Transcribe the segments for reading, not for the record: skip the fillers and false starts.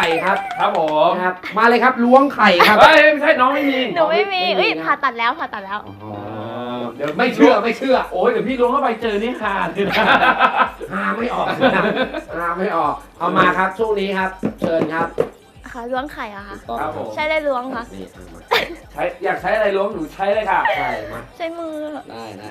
ข่ครับครับผมนะครับมาเลยครับล้วงไข่ครับเฮ้ยไม่ใช่น้องไม่มีหนูไม่มีไม่มีเอ้ยนะผ่าตัดแล้วผ่าตัดแล้วอ๋อเดี๋ยวไม่เชื่อไม่เชื่อโอ้ยเดี๋ยวพี่ล้วงเข้าไปเจอนี่ฮาเลยนะหาไม่ออกนะหาไม่ออกเอามาครับช่วงนี้ครับ เชิญครับค่ะล้วงไข่อะค่ะครับผมใช่ได้ล้วงค่ะนี่เอามาใช้อยากใช้อะไรล้วงหนูใช้เลยค่ะใช่มาใช้มือได้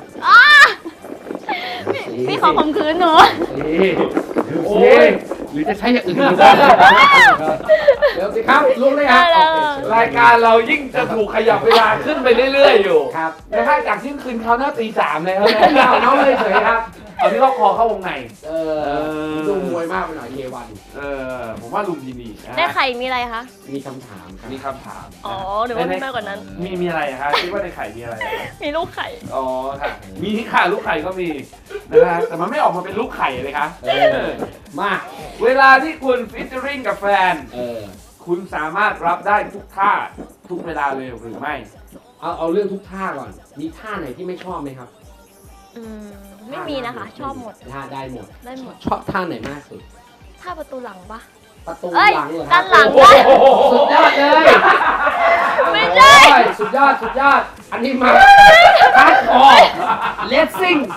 พี่ขอข่มขืนหนูนี่โอ้โอ้ยยหรือจะใช้อย่างอื่นก็ได้เดี๋ยวสิครับล้วงเลยครับได้โอเลยเครายการเรายิ่งจะถูกขยับเวลาขึ้นไปเรื่อยๆอยู่ครับนะฮะจากที่คืนเขาหน้าตีสามเลยครับไม่ยาวน้องเลยเฉยครับเอาที่เขาคอเข้าวงในเออดูมวยมากไปหน่อยเยวันผมว่าลุมพินีนะฮะได้ไข่มีอะไรคะมีคำถามครับมีคำถามอ๋อหรือว่ามีมากกว่านั้นมีอะไรอะคะคิดว่าในไข่มีอะไรมีลูกไข่อ๋อค่ะมีค่ะลูกไข่ก็มีนะฮะแต่มันไม่ออกมาเป็นลูกไข่เลยคะเออมาเวลาที่คุณฟิชเจอริงกับแฟนเออคุณสามารถรับได้ทุกท่าทุกเวลาเลยหรือไม่เอาเรื่องทุกท่าก่อน มีท่าไหนที่ไม่ชอบไหมครับอืมไม่มีนะคะ ชอบหมดท่าได้หมดได้หมดชอบท่าไหนมากสุดถ้าประตูหลังปะประตูเอ้ยหลังเหรอคด้ารับนหลังโอ้ปะโหสุดยอดเลยไม่ใช่โอ้ยสุดยอดสุดยอด อันนี้มาฮาร์ดคอร์เลสซิ่ง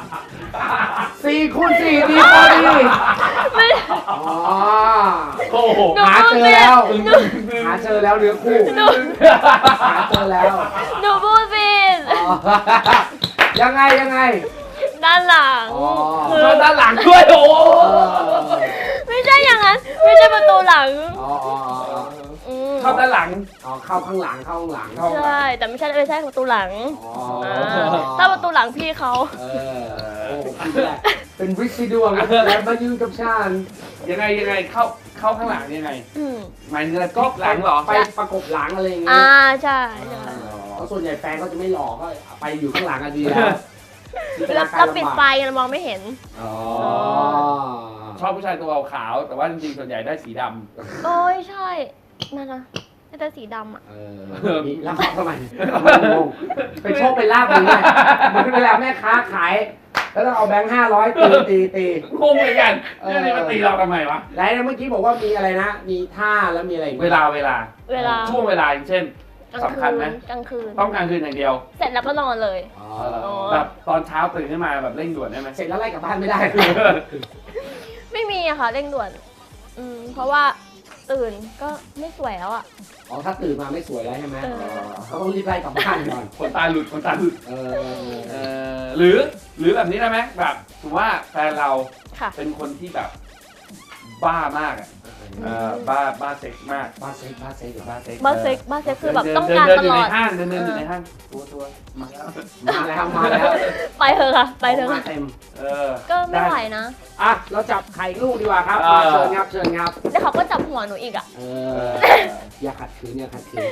4x4ดีพอดีไม่อ๋อโอ้โหหาเจอแล้วหาเจอแล้วเนื้อคู่หนูหาเจอแล้วหนูพูดผิดอ๋อยังไงยังไงด้านหลังอ๋อคือแล้วด้านหลังด้วยโอ้โหไม่ใช่อย่างนั้น ไม่ใช่ประตูหลังอ๋ออ๋ออ๋ออืมเข้าด้านหลังอ๋อเข้าข้างหลังเข้าข้างหลังเข้าใช่แต่ไม่ใช่ประตูหลังอ๋อถ้าประตูหลังพี่เขาเออโอ้คุณแหละเป็นวิสิดวงแล้วมายืนกับฉันยังไงเข้าข้างหลังยังไงอืมหมายถึงอะไรก็หลังเหรอไปประกบหลังอะไรอย่างเงี้อ่าย ใช่ใช่เพราะส่วนใหญ่แฟนเขาจะไม่หลอกก็ไปอยู่ข้างหลังกันดีแล้วแล้วปิดไฟเรามองไม่เห็นอ๋อชอบผู้ชายตัวขาวๆแต่ว่าจริงๆส่วนใหญ่ได้สีดำโอ้ยใช่นั่นนะแต่สีดำอ่ะเออมีแล้วเขาทำไมงงไปโชคไปลาบมึงไงเหมือนเวลาแม่ค้าขาย แล้วต้องเอาแบงค์500ตีงงเหมือนกันเรื่องนี้มาตีเราทำไมวะแล้วเมื่อกี้บอกว่ามีอะไรนะ มีท่าแล้วมีอะไรอีกเวลาเวลาช่วงเวลาอย่างเช่นกลางสำคัญไหมกลางคืนต้องกลางคืนอย่างเดียวเสร็จแล้วก็นอนเลยอ๋อแบบตอนเช้าตื่นขึ้นมาแบบเร่งด่วนได้ไหมเสร็จแล้วไล่กลับบ้านไม่ได้ไม่มีอะค่ะเร่งด่วน เพราะว่าตื่นก็ไม่สวยแล้วอะอ๋อถ้าตื่นมาไม่สวยแล้วใช่ไหมเออเขาต้องรีบไล่กลับบ้านก่อนคนตาหลุดคนตาหลุดเออหรือแบบนี้ได้ไหมแบบถือว่าแฟนเราค่ะเป็นคนที่แบบบ้ามากอ่ะบ้าเซ็กซ์มากบ้าเซ็กบ้าเซ็กเหรอบ้าเซ็กซ์บ้าเซ็กคือแบบต้องเดินการเดินตอยู่ลในอดห้างเดินอยู่ในห้างตัวมาแล้วมาแล้วไปเถอะค่ะ ไปเถอะมาค่ะเต็มก็ไม่ไหวนะอ่ะเราจับไข่ลูกดีกว่าครับเชิญครับเชิญครับแล้วเขาก็จับหัวหนูอีกอะอย่าขัดขืนอย่าขัดขืน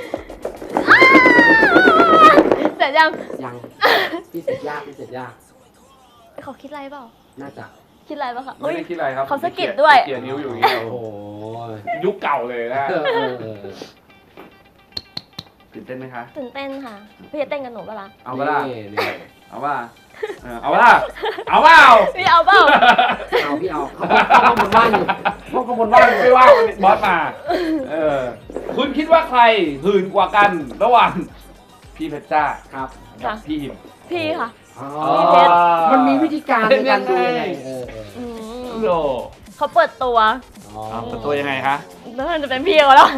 เสร็จยังยังพี่เสร็จยากพี่เสร็จยากเขาคิดอะไรเปล่าน่าจะคิดอะไรเปล่าคะไม่ได้คิดอะไรครับเขาสะกิดด้วยเกี่ยนิ้วอยู่อย่างเงี้ยโอ้โหยุคเก่าเลยนะเออตื่นเต้นไหมคะตื่นเต้นค่ะ พี่จะเต้นกับหนูเปะล่าเอาเปล่านี่เอาเปล่าเอาเปล่าเอาเปล่าพี่เอาเปล่าเอาพี่เอาเขาข้างบนบ้านอยู่เขาข้างบนบ้านอยู่ไม่ว่าบอสมาคุณคิดว่าใครหื่นกว่ากันระหว่างพี่เพชรจ้าครับกับพี่หิมพี่ค่ะอ๋อพี่เพชรมันมีวิธีการในการดูยังไงอืมโลเขาเปิดตัวเป็นตัวยังไงคะแล้วมันจะเป็นพี่เขาแล้ว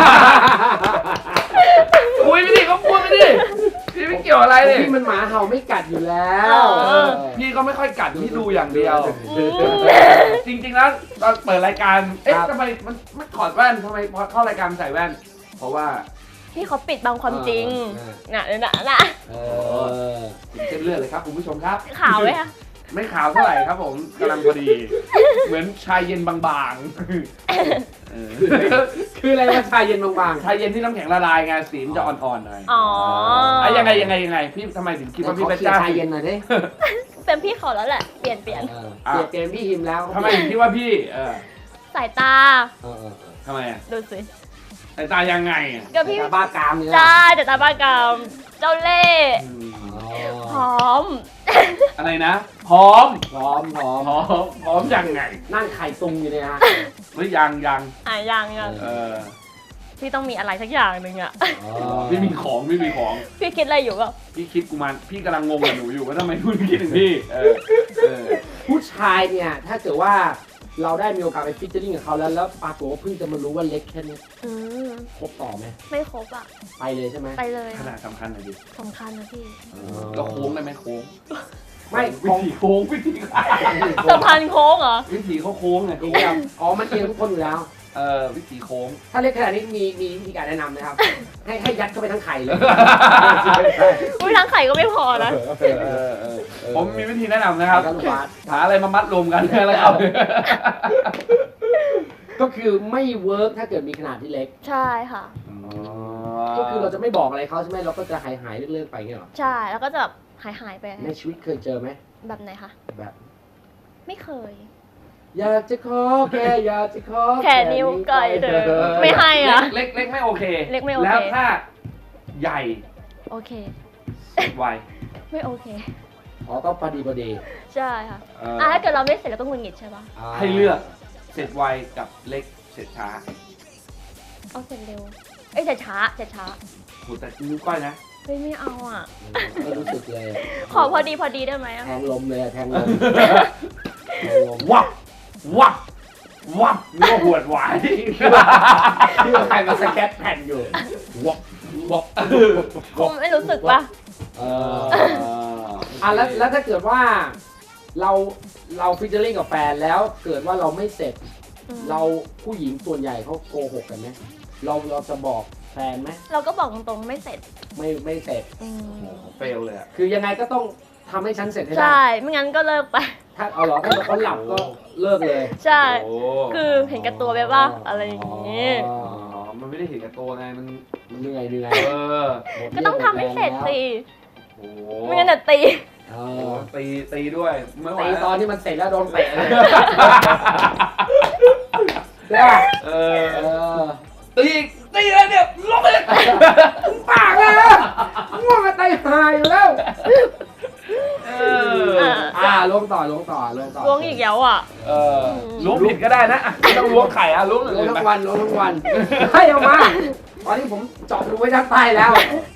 คุยไปดิก็พูดไปดิพี่ไม่เกี่ยวอะไรเลยพี่มันหมาเห่าไม่กัดอยู่แล้วพี่ก็ไม่ค่อยกัดพี่ดูอย่างเดียวอืมจริงๆแล้วตอนเปิดรายการ เอ๊ะทำไมมันไม่ถอดแว่นทำไมพอเข้ารายการใส่แว่น เพราะว่าพี่เขาปิดบังความจริง น่ะน่ะถึงเส้นเลือดเลยครับคุณผู้ชมครับขาวไหมคะไม่ขาวเท่าไหร่ครับผมกำลังพอดี เหมือนชายเย็นบางๆเออคืออะไรว่าชายเย็นบางชายเย็นที่น้ำแข็งละลายไงสีมันจะอ่อนๆหน่อยอ๋อยังไงพี่ทำไมถึงๆคิดว่าพี่เพชรจ้าชายเย็นหน่อยดิเป็นพี่เขาแล้วแหละ เปลี่ยนเปลี่ยนพี่หิมแล้วทำไมถึงคิดว่าพี่สายตาทำไมอ่ะดูสิสายตายังไงอ่ะก็พี่บ้ากามเนี่ยจ้าแต่ตาบ้ากามเจ้าเล่ห์พร้อมอะไรนะ พร้อมพร้อมพร้อมยังไงนั่งไข่ตุงอยู่เนี่ยฮะหรือยังยังเออพี่ต้องมีอะไรสักอย่างหนึ่งอะไม่มีของพี่คิดอะไรอยู่เปล่าพี่คิดกูมันพี่กำลังงงกับหนูอยู่ว่าทำไมคุณคิดถึงพี่ผู้ชายเนี่ยถ้าเกิดว่าเราได้มีโอกาสไปฟิชเชอร์ริ่งกับเขาแล้วปรากฏว่าเพิ่งจะมารู้ว่าเล็กแค่นี้อืมครบต่อไหมไม่ครบอะไปเลยใช่ไหมไปเลยขนาดสำคัญหน่อยดิสำคัญนะพี่ก็โค้งได้ไหมโค้งไม่วิธีโค้งวิธีใครสะพานโค้งเหรอวิธีเขาโค้งไงเอียงอ๋อมันเอียงทุกคนอยู่แล้ววิธีโค้งถ้าเล็กขนาดนี้มีวิธีการแนะนำนะครับ ให้ยัดเข้าไปทั้งไข่เลยอุ้ยทั้งไข่ก็ไม่พอนะผมมีวิธีแนะนำนะครับลูกบาสหาอะไรมามัดรวมกันแล้วครับก็คือไม่เวิร์กถ้าเกิดมีขนาดที่เล็กใช่ค่ะก็คือเราจะไม่บอกอะไรเขาใช่ไหมเราก็จะหายเลื่อนๆไปเงี้ยหรอใช่ แล้วก็จะแบบหายไปในชีวิตเคยเจอไหมแบบไหนคะแบบไม่เคยอยากจะขอแค่อยากจะขอแค่นิ้วก้อยเธอไม่ให้อะเล็กไม่โอเคเล็กไม่โอเคแล้วถ้าใหญ่โอเคไวไม่โอเคอ๋อต้องพอดีใช่ค่ะถ้าเกิดเราไม่เสร็จเราต้องหงุดหงิดใช่ปะให้เลือกเสร็จไวกับเล็กเสร็จช้าเอาเสร็จเร็ว เอ้ยเสร็จช้าโหแต่นิ้วก้อยนะเฮ้ยไม่เอาอ่ะก็รู้สึกเลยขอพอดีได้ไหมอะแทงลมเลยแทงลมวับนึกว่าหวดหวายที่ว่าใครมาสแก็ตแผ่นอยู่วับคุณไม่รู้สึกปะแล้วถ้าเกิดว่าเราฟิชเชอร์ริ่งกับแฟนแล้วเกิดว่าเราไม่เสร็จ เราผู้หญิงส่วนใหญ่เขาโกหกกันไหมเราจะบอกแฟนไหมเราก็บอกตรงๆไม่เสร็จไม่เสร็จเฟลเลยอะคือยังไงก็ต้องทำให้ฉันเสร็จให้ได้ใช่ ไม่งั้นก็เลิกไปถ้าเอาเหรอถ้าเขาหลับก็เลิกเลยใช่โอ้คือเห็นแกับตัวไปป่ะอะไรอย่างงี้อ๋อมันไม่ได้เห็นกับตัวไงมันเหนื่อยหมดก็ต้องทำให้เสร็จสิโอ้ไม่งั้นเดี๋ยวตีเอโอ้อตีด้วยไม่ไหวตีตอนที่มันเสร็จแล้วโดนเตะเลยเอเอออตีแล้วเนี่ยลงไปเลยปากเลยนะง่วงกันไตหายอยู่แล้ว ลงต่อล้วงอีกแล้วอ่ะล้วงผิดก็ได้นะไม่ต้องล้วงไข่อะล้วงลงทั้งวันให้เอามาตอนนี้ผมเจาะรูไว้ด้านใต้แล้ว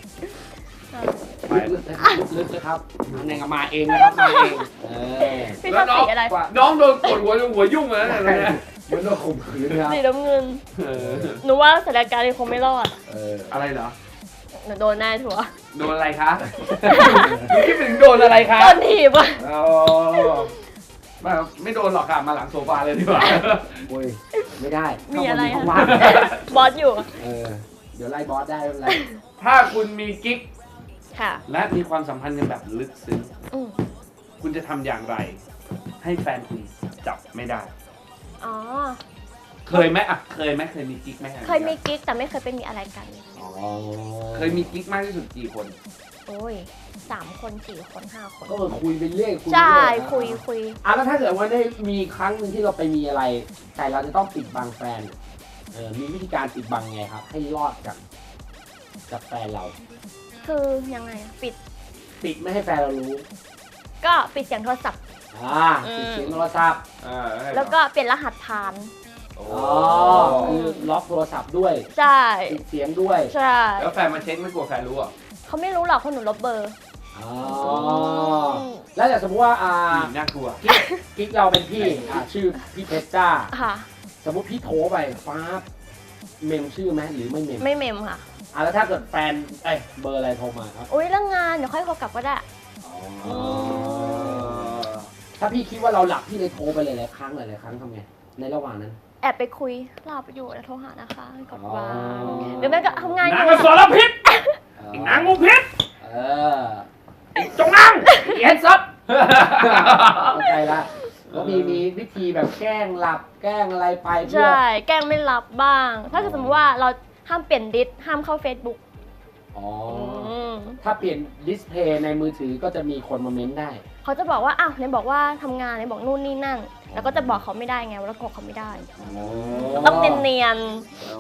ลึกเลยครับมันเองมาเองนะครับมาเองพี่ชอบสีอะไรน้องโดนกดหัวยุ่งเลยนะเนี่ยมันโดนข่มขืนครับสีน้ำเงิน หนูว่าสถานการณ์นี้คงไม่รอดอะไรเหรอหนูโดนแน่ทัวร์โดนอะไรคะคิดถึงโดนอะไรคะโดนถีบอ่ะอ๋อไม่โดนหรอกค่ะมาหลังโซฟาเลยดีกว่าโอ้ยไม่ได้มีอะไรข้างอะบนมีห้องว่างบอสอยู่เดี๋ยวไล่บอสได้ไม่เป็นไรถ้าคุณมีกิ๊กค่ะและมีความสัมพันธ์กันแบบลึกซึ้งอืมคุณจะทำอย่างไร ให้แฟนคุณจับไม่ได้อ๋อเคยไหมอ่ะเคยไหมเคยมีกิ๊กไหมเคยมีกิ๊กแต่ไม่เคยเป็นมีอะไรกันเคยมีกิ๊กมากที่สุดกี่คนโอ้ย3 คน 4 คน 5 คนก็คุยไปเรื่อยคุยใช่คุยคุยแล้วถ้าเกิดว่าได้มีครั้งหนึ่งที่เราไปมีอะไร แต่เราจะต้องปิดบังแฟนมีวิธีการปิดบังไงครับ ให้รอดกับแฟนเราคือยังไงอะปิดไม่ให้แฟนเรารู้ก็ปิดเสียงโทรศัพท์ปิดเสียงโทรศัพท์แล้วก็เปลี่ยนรหัสผ่านคือล็อกโทรศัพท์ด้วยใช่ปิดเสียงด้วยใช่แล้วแฟนมาเช็คไม่กลัวแฟนรู้อ่ะเขาไม่รู้หรอกเพราะหนูลบเบอร์แล้วแต่สมมติว่าน่ากลัวกิ๊กเราเป็นพี่ชื่อพี่เพชรจ้าค่ะสมมติพี่โทรไปฟ้าเมมชื่อไหมหรือไม่เมมไม่เมมค่ะแล้วถ้าเกิดแฟนเบอร์อะไรโทรมาครับอุ้ยเรื่องงานเดี๋ยวค่อยโทรกลับก็ได้ถ้าพี่คิดว่าเราหลับพี่เลยโทรไปหลายๆครั้งทำไงในระหว่างนั้นแอบไปคุยหลับอยู่แล้วโทรหานะคะกดวางหรือไม่ก็ทำงานอนางยู่กสรพิษนางงูพิษจงนั่งเอ็นซับเข้าใจละก็มีวิธีแบบแกล้งหลับแกล้งอะไรไปเพื่อใช่ แกล้งไม่รับบ้าง ถ้าเกิดสมมติว่าเราห้ามเปลี่ยนดิสห้ามเข้า Facebook ถ้าเปลี่ยนดิสเพย์ในมือถือก็จะมีคนมาเม้นได้เขาจะบอกว่าอ้าวไหนบอกว่าทำงานไหนบอกนู่นนี่นั่น แล้วก็จะบอกเขาไม่ได้ไงว่าเราโกรธเขาไม่ได้ต้องเนียนโอ้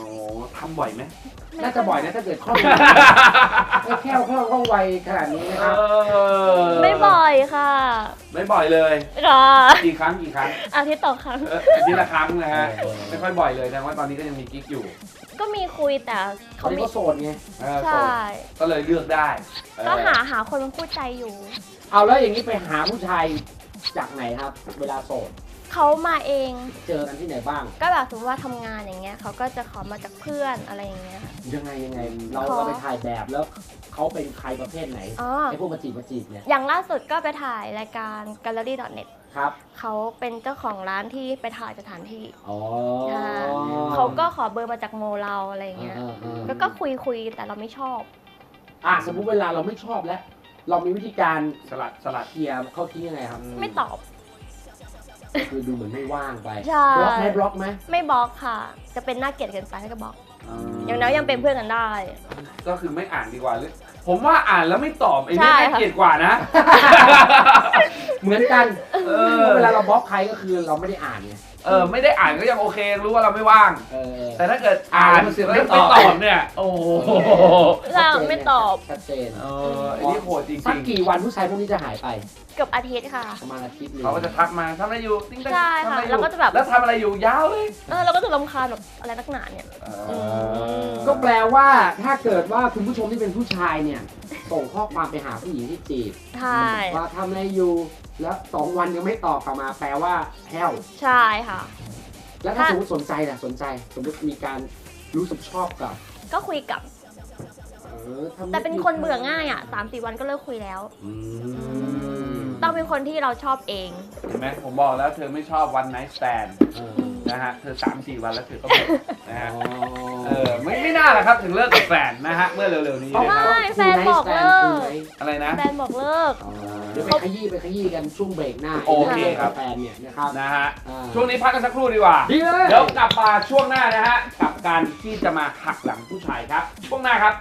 ทำบ่อยไหมน่าจะบ่อยนะถ้าเกิดคล่องไม่แค่คล่องไวขนาดนี้นะครับไม่บ่อยค่ะไม่บ่อยเลยค่ะกี่ครั้งอาทิตย์ต่อครั้งอาทิตย์ละครั้งนะฮะไม่ค่อยบ่อยเลยนะว่าตอนนี้ก็ยังมีกิ๊กอยู่ก็มีคุยแต่เขาเขาไม่ไม่ก็โสดไงใช่ก็เลยเลือกได้ก็หาคนเป็นคู่ใจอยู่เอาแล้วอย่างนี้ไปหาผู้ชายจากไหนครับ เวลาโสดเขามาเองเจอกันที่ไหนบ้างก็แบบสมมติว่าทำงานอย่างเงี้ยเขาก็จะขอมาจากเพื่อนอะไรอย่างเงี้ยค่ะยังไงเราไปถ่ายแบบแล้วเขาเป็นใครประเภทไหนอ๋อไอ้พวกมาจีบเนี่ยอย่างล่าสุดก็ไปถ่ายรายการ gallery.net ครับเขาเป็นเจ้าของร้านที่ไปถ่ายสถานที่อ๋อเขาก็ขอเบอร์มาจากโมเราอะไรอย่างเงี้ยก็คุยแต่เราไม่ชอบสมมุติเวลาเราไม่ชอบแล้ว เรามีวิธีการสลัดเคลียร์เขาทิ้งยังไงครับไม่ตอบคือดูเหมือนไม่ว่างไปใช่บล็อกไหมไม่บล็อกค่ะ จะเป็นน่าเกลียดเกินไปให้ก็บล็อก อย่างน้อยยังเป็นเพื่อนกันได้ก็คือไม่อ่านดีกว่าหรือผมว่าอ่านแล้วไม่ตอบไอ้ใช่นี่น่าค่ะเกลียดกว่านะเหมือนกันเออเวลาเราบล็อกใครก็คือเราไม่ได้อ่านไงไม่ได้อ่านก็ยังโอเค รู้ว่าเราไม่ว่าง แต่ถ้าเกิดอ่านอ่านแล้วมันไม่ตอบเนี่ย โอ้โหเราไม่ตอบชัดเจนไอ้นี่โหดจริสักงกี่วันผู้ชายพวกนี้จะหายไปเกือบอาทิตย์ค่ะประมาณอาทิตย์หนึๆงเขาก็จะทักมาทำอะไรอยู่ติ๊งติ๊งใช่ทำค่ะอะไรอยู่แล้วก็จะแบบแล้วทำอะไรอยู่ยาวเลยเราก็จะรำคาญแบบอะไรนักหนาเนี่ยก็แปลว่าถ้าเกิดว่าคุณผู้ชมที่เป็นผู้ชายเนี่ย ส่งข้อความไปหาผู้หญิงที่จีบใช่ว่าทำอะไรอยู่แล้ว2 วันยังไม่ตอบกลับมา แปลว่าแห้วใช่ค่ะแล้วถ้าสมมติสนใจล่ะสนใจ สมมติมีการรู้สึกชอบกับก็คุยกับทำแต่เป็นคนเบื่อง่ายอ่ะ3-4 วันก็เลิกคุยแล้วอืมต้องเป็นคนที่เราชอบเองเห็นไหมผมบอกแล้วเธอไม่ชอบวันไนท์สแตนเออนะฮะเธอ 3-4 วันแล้วเธอก็หมดนะฮะอ๋อไม่น่าแหละครับถึงเลิกกับแฟนนะฮะเมื่อเร็วๆนี้นะคใช่รับแฟนบอกเลิกอะไรนะแฟนบอกเลิกเดี๋ยวไปขยี้กันช่วงเบรกหน้าโอเคครับแฟนเนี่ยนะครับนะฮะอ่าช่วงนี้พักกันสักครู่ดีกว่าดีเลยเดี๋ยวกลับมาช่วงหน้านะฮะกับการที่จะมาหักหลังผู้ชายครับช่วงหน้าครับ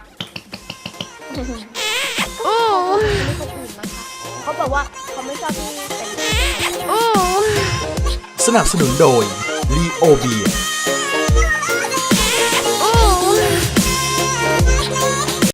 เขาบอกว่าเขาไม่ชอบที่เป็นสนับสนุนโดย ลีโอเบีย